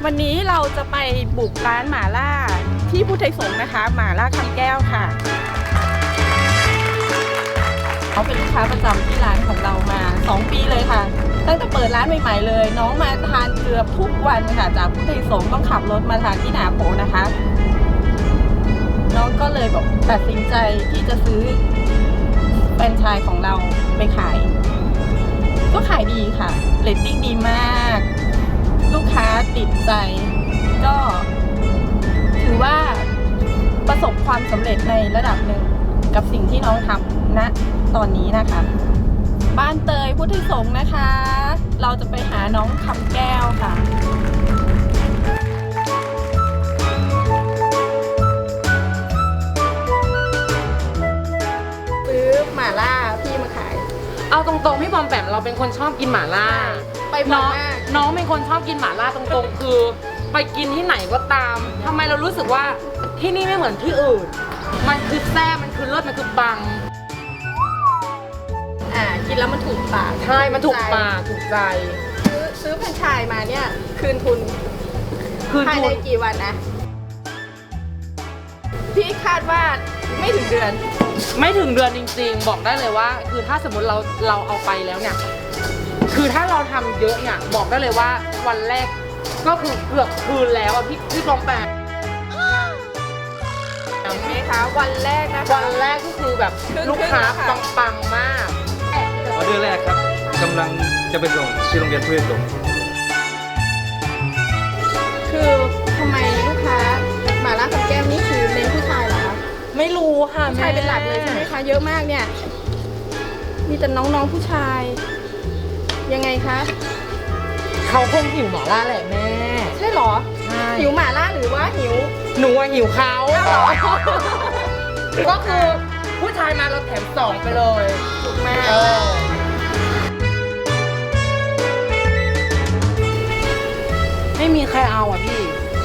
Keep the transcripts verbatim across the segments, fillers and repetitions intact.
วันนี้เราจะไปบุกร้านหม่าล่าที่พุทธไทยสงฆ์นะคะหม่าล่าคำแก้วค่ะเขาเป็นลูกค้าประจำที่ร้านของเรามาสองปีเลยค่ะตั้งแต่เปิดร้านใหม่ๆเลยน้องมาทานเกือบทุกวันค่ะจากพุทธไทยสงฆ์ต้องขับรถมาทานที่หนาโพนะคะน้องก็เลยบอกตัดสินใจที่จะซื้อแฟรนไชส์ของเราไปขายก็ขายดีค่ะเรตติ้งดีมากลูกค้าติดใจก็ถือว่าประสบความสำเร็จในระดับหนึ่งกับสิ่งที่น้องทำณตอนนี้นะคะบ้านเตยพุทธไทยสงฆ์นะคะเราจะไปหาน้องคำแก้วค่ะซื้อหม่าล่าพี่มาขายเอาตรงๆพี่บอมแปมเราเป็นคนชอบกินหม่าล่าไปบ่อยมากน้องเป็นคนชอบกินหม่าล่าตรงๆคือไปกินที่ไหนก็ตามทำไมเรารู้สึกว่าที่นี่ไม่เหมือนที่อื่นมันคือแซ่บมันคือเลิศมันคือปังอ่ากินแล้วมันถูกปากใช่มันถูกปากถูกใจซื้อซื้อแฟรนไชส์มาเนี่ยคืนทุนคืนทุนภายในกี่วันนะพี่คาดว่าไม่ถึงเดือนไม่ถึงเดือนจริงๆบอกได้เลยว่าคือถ้าสมมติเราเราเอาไปแล้วเนี่ยคือถ้าเราทำเยอะเนี่ยบอกได้เลยว่าวันแรกก็คือเกือบคืนแล้วอ่ะพี่พี่กองแปดเห็นไหมคะวันแรกนะคะวันแรกก็คือแบบลูกค้าปังๆมากออเดอร์แรกครับกำลังจะไปส่งที่โรงเรียนพุทธไทยสงฆ์คือทำไมลูกค้าหม่าล่าคำแก้วนี่คือเน้นผู้ชายเหรอคะไม่รู้ค่ะผู้ชายเป็นหลักเลยใช่ไหมคะเยอะมากเนี่ยมีแต่น้องๆผู้ชายยังไงคะเขาคงหิวหม่าล่าแหละแม่ใช่หรอหิวหม่าล่าหรือว่าหิวหนูหิวเขาก็คือผู้ชายมาเราแถมสองไปเลยถูกมากไม่มีใครเอาอ่ะพี่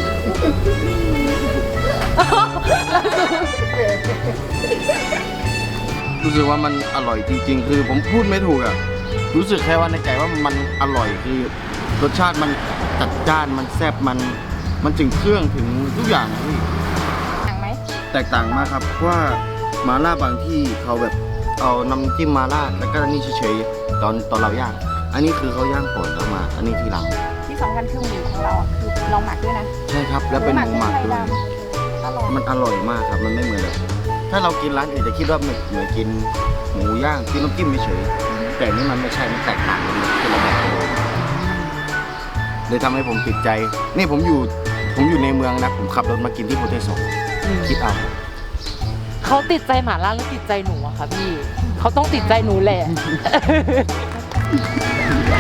รู้สึกว่ามันอร่อยจริงๆคือผมพูดไม่ถูกอ่ะรู้สึกแค่ว่าในใจว่ามันอร่อยคือรสชาติมันจัดจ้านมันแซ่บมันมันถึงเครื่องถึงทุกอย่างพี่ต่างไหมแตกต่างมากครับเพราะว่าหม่าล่าบางที่เขาแบบเอาน้ำจิ้มหม่าล่าแล้วก็นี่เฉยๆตอนตอนเราย่างอันนี้คือเขาย่างก่อนแล้วมาอันนี้ทีหลังที่สำคัญคือหมูของเราคือเราหมักด้วยนะใช่ครับแล้วเป็นหมูหมักด้วยมันอร่อยมากครับมันไม่เหมือนแบบถ้าเรากินร้านอื่นจะคิดว่าเหมือนกินหมูย่างกินน้ำจิ้มเฉยแต่นี่มันไม่ใช่มันแตกต่างกันคนละแบบเลยทำให้ผมติดใจนี่ผมอยู่ผมอยู่ในเมืองนะผมขับรถมากินที่พุทธไทยสงฆ์คิดเอาเขาติดใจหม่าล่าหรือติดใจหนูอะคะพี่เขาต้องติดใจหนูแหละ